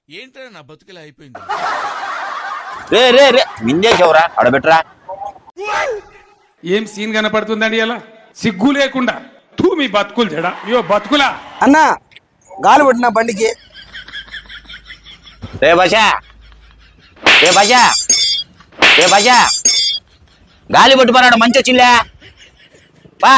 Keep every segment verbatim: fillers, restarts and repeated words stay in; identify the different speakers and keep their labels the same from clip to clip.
Speaker 1: ఏంట్రా నా బతుకులా అయిపోయింది.
Speaker 2: రే రే రే మిందేశవరా అడబెట్రా.
Speaker 3: ఏం సీన్ కనపడుతుందండి అలా సిగ్గు లేకుండా తూ మీ బతుకులు జడా అయ్యో బతుకులా.
Speaker 4: అన్నా గాలి పట్టిన బండికి.
Speaker 2: రే భాషా రే భాషా రే భాషా గాలి పట్టుకున్నాడు మంచి వచ్చిందిలే బా.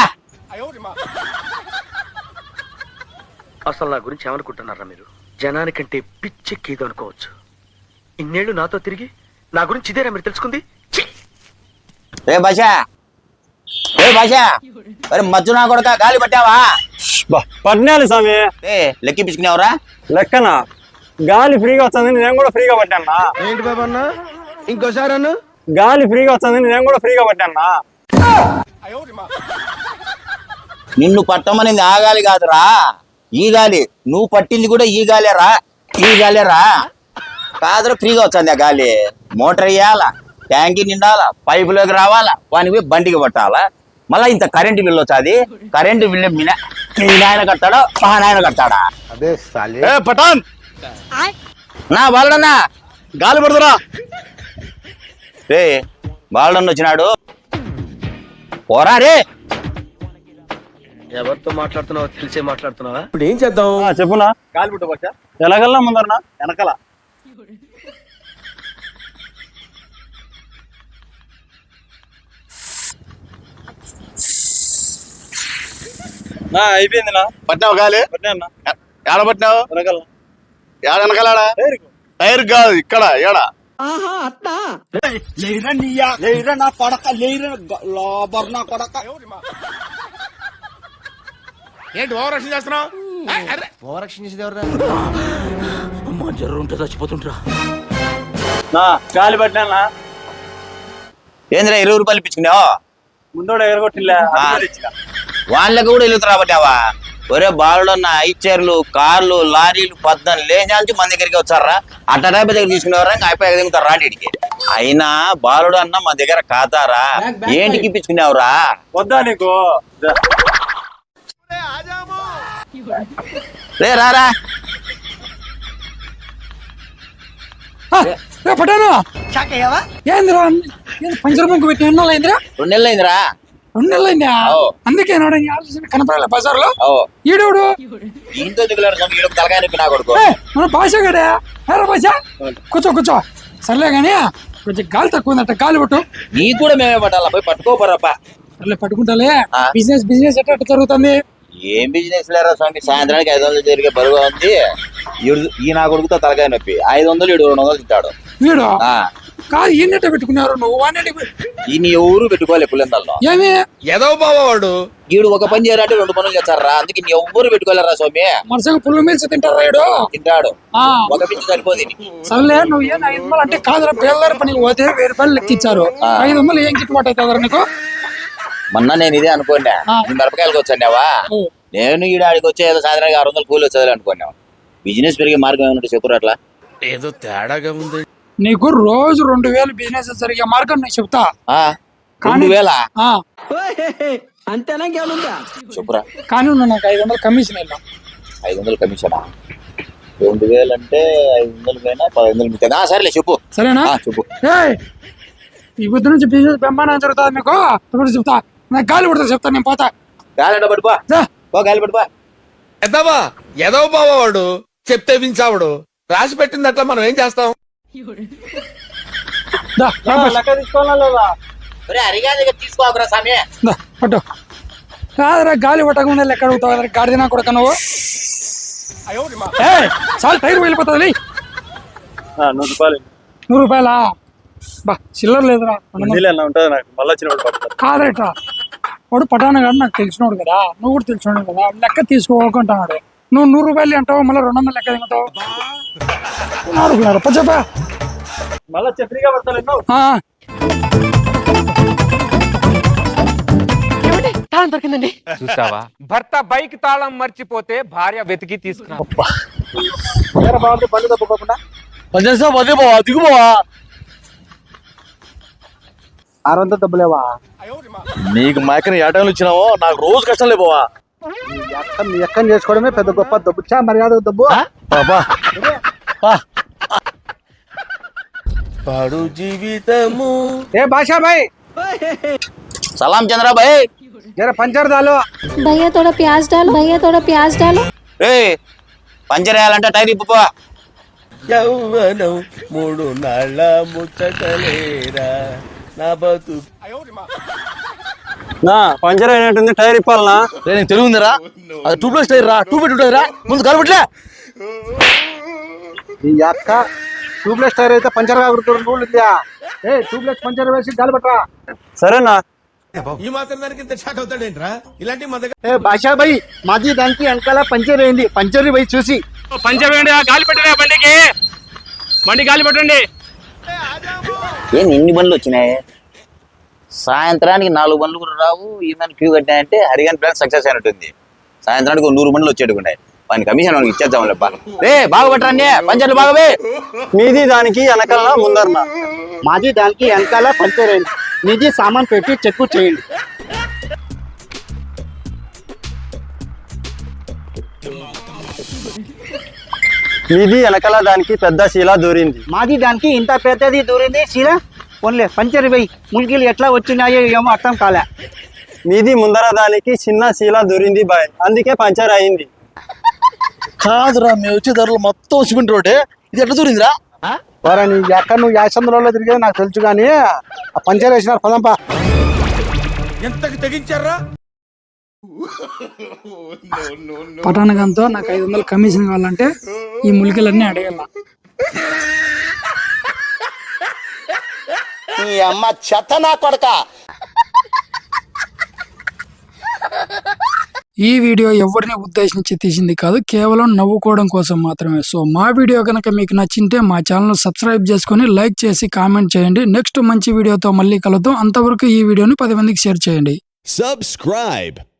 Speaker 5: అసలు నా గురించి ఏమనుకుంటున్నారా మీరు? జనానికంటే పిచ్చెక్కేది అనుకోవచ్చు. ఇన్నేళ్లు నాతో తిరిగి నా గురించి ఇదేనా మీరు తెలుసుకుంది?
Speaker 2: రే భాషా రే భాషా మరి మధ్య నా కొడక గాలి పట్టావా?
Speaker 6: పట్టినాను స్వామి.
Speaker 2: ఏ లెక్కిపించుకున్నావురా?
Speaker 6: లెక్కన గాలి ఫ్రీగా వస్తుంది, నేను కూడా ఫ్రీగా పట్టానా.
Speaker 4: ఏంటి బాబా అన్న ఇంకోసారి అన్న
Speaker 6: గాలి ఫ్రీగా వస్తుంది, నేను కూడా ఫ్రీగా పట్టానా.
Speaker 2: నిన్ను పట్టమనింది ఆ గాలి కాదురా, ఈ గాలి. నువ్వు పట్టింది కూడా ఈ గాలేరా, ఈ గాలేరా. కాదురా ఫ్రీగా వచ్చింది ఆ గాలి. మోటార్ వేయాలా, ట్యాంకీ నిండాలా, పైపులోకి రావాలా, వానికి పోయి బండికి పట్టాలా. మళ్ళా ఇంత కరెంటు బిల్లు వచ్చాది. కరెంటు బిల్లు మీ నాయన కట్టాడా మా నాయన కట్టాడా?
Speaker 6: ఏ పటాన్
Speaker 2: నా వాళ్ళన్నా
Speaker 6: గాలి పడుతురా.
Speaker 2: రే వాళ్ళన్న వచ్చినాడు పోరా రే.
Speaker 5: ఎవరితో మాట్లాడుతున్నావో తెలిసే మాట్లాడుతున్నావా?
Speaker 4: ఇప్పుడు ఏం చేద్దాం?
Speaker 6: చెప్పునా
Speaker 4: గాలి పుట్ట పచ్చ
Speaker 6: ఎలాగల్లా ముందరనా వెనకల అయిపోయింది నా
Speaker 7: పట్టినావు గాలి?
Speaker 6: పట్టినా
Speaker 7: ఏడ పట్టినావు?
Speaker 6: వెనకల
Speaker 7: ఏడ వెనకాలాడా? టైర్ కాదు ఇక్కడ ఏడ.
Speaker 1: ఏంటి ఓవర్ రక్షణ చేస్తున్నావు?
Speaker 4: ఓవరాక్షన్ చేసేది ఎవరా?
Speaker 5: అమ్మా జర్రు ఉంటే చచ్చిపోతుంటరా.
Speaker 6: నా గాలి పట్టినా.
Speaker 2: ఏంద్రా ఇరవై రూపాయలు ఇప్పించుకున్నావు?
Speaker 6: ముందోడు ఎగరగొట్టిలే
Speaker 2: వాళ్ళకి కూడా వెళ్తురా పట్టావా? ఒరే బాలుడన్న ఐచర్లు కార్లు లారీలు పద్దలు లేచాల్చి మన దగ్గరికి వచ్చారా? అట్ట టైప్ దగ్గర తీసుకునేవారా? ఇంకా అయిపోయి దిగుతారు రాడికి. అయినా బాలుడు అన్న మన దగ్గర కాతారా? ఏంటికి ఇప్పించుకునేవరా?
Speaker 6: వద్దా నీకు?
Speaker 2: రే రారా
Speaker 4: పటాను ఏందిరా పంచర్ బంకు పెట్టి ఎన్ని నెలలు అయిందిరా?
Speaker 2: రెండు నెలలు అయిందిరా.
Speaker 4: రెండు నెలలు అయిందా? అందుకే కనపడాలి బజార్లో ఈడోడు
Speaker 2: ఇంతో దిగులాడు తలకాయ నొప్పి నా కొడుకు.
Speaker 4: మన భాష గడే ఏరా భాష కూర్చో కూర్చో సర్లే గానీ కొంచెం గాలి తక్కువ ఉందట గాలి పట్టు.
Speaker 2: నీకు కూడా మేమే పట్టాలా? పోయి పట్టుకోపోరప్పా.
Speaker 4: సర్లే పట్టుకుంటాలే. బిజినెస్ బిజినెస్ ఎట్ట ఎట్ట జరుగుతుంది?
Speaker 2: ఏం బిజినెస్ లేరా స్వామి, సాయంత్రానికి ఐదు వందలు జరిగే బరువు ఉంది. ఈడు ఈ నా కొడుకుతో తలకాయ నొప్పి. ఐదు వందలు ఈడు రెండు వందలు తింటాడు.
Speaker 4: వీడు కాదు ఈయనట్ట పెట్టుకున్నారు నువ్వు వాడిని
Speaker 2: ఈయన ఎవరు పెట్టుకోవాలి పులిందల్లో.
Speaker 4: ఏమి
Speaker 1: ఏదో బావాడు
Speaker 2: ఈడు ఒక పని చేయాలంటే రెండు పనులు చేస్తారా? అందుకే నీ ఎవ్వరు పెట్టుకోలేరా స్వామి.
Speaker 4: మనసుకు పుల్లు మీల్చి తింటారా వీడు?
Speaker 2: తింటాడు.
Speaker 4: ఆ
Speaker 2: ఒక పిచ్చి సరిపోదు.
Speaker 4: సర్లే నువ్వు ఏం ఐదు వందలు అంటే కాదురా బేల్దారి పనికి పోతే వెయ్యి రూపాయలు లెక్కిచ్చారు. ఐదు వందలు ఏం గిట్టుబాటు అవుతుందా నీకు?
Speaker 2: మొన్న నేను ఇదే అనుకోండా, నీ మిరపకాయలకు వచ్చావా? నేను ఈడ ఆడికి వచ్చే ఏదో సాయంత్రానికి ఆరు వందలు కూలి వచ్చేది అనుకున్నావు. బిజినెస్ పెరిగే మార్గం ఏమంటే చెప్పురు. అట్లా
Speaker 1: ఏదో తేడాగా ఉంది.
Speaker 4: నీకు రోజు రెండు వేలు బిజినెస్ జరిగే మార్గం నేను చెప్తా.
Speaker 2: రెండు వేల
Speaker 4: అంతేనా
Speaker 2: చెప్పురా.
Speaker 4: కానీ నాకు ఐదు వందలు కమిషన్ వెళ్ళాం.
Speaker 2: ఐదు వందలు కమిషనా? రెండు వేలు అంటే ఐదు వందలు పైన పది వందలు మిగతా. సరేలే చెప్పు.
Speaker 4: సరేనా?
Speaker 2: చెప్పు.
Speaker 4: ఈ బుద్ధి నుంచి బిజినెస్ బ్రహ్మాండం జరుగుతుంది మీకు. ఇప్పుడు చెప్తా. నాకు గాలి పడుతుంది చెప్తా. నేను పోతా.
Speaker 2: గాలి పడిపో గాలి పడిపో.
Speaker 1: ఎదవా ఏదో బావాడు చెప్తే వించావుడు. రాసి పెట్టింది అట్లా మనం ఏం చేస్తాం?
Speaker 6: లెక్క తీసుకోవాలా లేదా?
Speaker 2: అరిగా దగ్గర తీసుకోకరా సామి.
Speaker 4: పట్టు. కాదురా గాలి పట్టకుండా లెక్క అడుగుతావు గాడిదినా కొడక నువ్వు. చాలా టైర్ వెళ్ళిపోతుంది.
Speaker 6: నూరు రూపాయలు.
Speaker 4: నూరు రూపాయలా? బా చిల్లర లేదురా.
Speaker 6: ఉంటుంది నాకు మళ్ళీ వచ్చినప్పుడు.
Speaker 4: కాదట వాడు పటాన కాదు నాకు తెలిసినోడు కదా, నువ్వు కూడా తెలిసినోడు కదా, లెక్క తీసుకోకుంటున్నాడు. నువ్వు నూరు రూపాయలు అంటావు, మళ్ళీ రెండు వందలు లెక్క తింటావు. చెప్పా
Speaker 6: మళ్ళీ ఫ్రీగా పడతాను.
Speaker 5: తాళం దొరికిందండి.
Speaker 8: చూసావా, భర్త బైక్ తాళం మర్చిపోతే భార్య వెతికి తీసుకురా.
Speaker 4: బాగుంది బండి తప్పుకోకుండా
Speaker 6: దిగుపోవా.
Speaker 4: ఆరు వందలు డబ్బులేవా?
Speaker 7: నీకు మైకని ఏ టైంలో ఇచ్చినావో నాకు రోజు కష్టం లేవా.
Speaker 4: మీ ఎక్కని చేసుకోవడమే పెద్ద గొప్ప దబ్బు. చా మర్యాద దబ్బు.
Speaker 1: పాడు జీవితము.
Speaker 6: ఏ భాషా భాయ్
Speaker 2: సలాం చంద్ర భాయ్.
Speaker 6: జరా పంచర్ దాలో.
Speaker 9: भैया थोड़ा प्याज डालो भैया थोड़ा प्याज डालो
Speaker 2: రే పంచర్ వేయాలంటే టైర్ ఇప్పుకో.
Speaker 1: యౌవనం మూడు నాళ్ళ ముచ్చటలేరా నా బతు.
Speaker 6: నా పంచర్ అయినట్టుంది టైర్ ఇప్పాలనా?
Speaker 7: రే నీకు తెలివి ఉందిరా? అది టూ ప్లస్ టైర్ రా, టూ పెట్టి ఉంటుంది రా, ముందు కలపట్లే.
Speaker 6: ఈ అక్క ట్యూబ్లెస్ టైర్ అయితే పంచర్ కాకూడదు రూల్ ఉందా? ఏ ట్యూబ్లెస్ పంచర్ వేసి గాలి పట్టరా. సరేనా?
Speaker 1: ఈ మాత్రం దానికి ఇంత షాక్ అవుతాడేంట్రా? ఇలాంటి మన దగ్గర
Speaker 6: ఏ భాషా భాయ్ మాది దానికి వెనకాల పంచర్ అయింది, పంచర్ పోయి చూసి
Speaker 8: పంచర్ వేయండి గాలి పెట్టండి బండికి బండి గాలి పెట్టండి
Speaker 2: ఏం ఇన్ని బండ్లు వచ్చినాయి? సాయంత్రానికి నాలుగు బండ్లు కూడా రావు. ఈమెన్ క్యూ కట్టాయంటే హరిగన్ ప్లాన్ సక్సెస్ అయినట్టుంది. సాయంత్రానికి ఒక నూరు బండ్లు వచ్చేట్టుకున్నాయి. వాని కమిషన్ మనకి ఇచ్చేద్దాం లేప్ప. రే బాగా పట్టరండి పంచర్లు బాగా.
Speaker 6: మీది దానికి వెనకాల ముందరన.
Speaker 10: మాది దానికి వెనకాల పంచర్ అయింది, మీది సామాన్ పెట్టి చెక్కు చేయండి.
Speaker 6: మీది వెనకాల దానికి పెద్ద శీలా దూరింది.
Speaker 10: మాది దానికి ఇంత పెద్దది దూరింది శీల. ఓన్లే పంచర్ వేయి, ములికీలు ఎట్లా వచ్చినాయో ఏమో అర్థం కాలే.
Speaker 6: మీది ముందర దానికి చిన్న శీలా దూరింది బాయ్, అందుకే పంచర్ అయింది.
Speaker 7: కాదురా, మేము వచ్చే ధరలు మొత్తం సిమెంట్ రోడ్డే, ఇది ఎట్లా దూరిందిరా?
Speaker 6: వారా నీ ఎక్కడ నువ్వు యాసంద్రంలో తిరిగేది నాకు తెలుసు కానీ ఆ పంచర్ వేసినారు పదంపా.
Speaker 1: ఎంతకి తెగించారా?
Speaker 4: పటానగంతో నాకు ఐదు వందలు కమిషన్ కావాలంటే ఈ ములికలన్నీ అడగాల.
Speaker 2: నీ అమ్మ చెత్త నా కొడక.
Speaker 4: ఈ వీడియో ఎవరిని ఉద్దేశించి తీసింది కాదు, కేవలం నవ్వుకోవడం కోసం మాత్రమే. సో మా వీడియో కనుక మీకు నచ్చింటే మా ఛానల్ సబ్స్క్రైబ్ చేసుకొని లైక్ చేసి కామెంట్ చేయండి. నెక్స్ట్ మంచి వీడియోతో మళ్ళీ కలుద్దాం. అంతవరకు ఈ వీడియోని పది మందికి షేర్ చేయండి.
Speaker 11: Subscribe.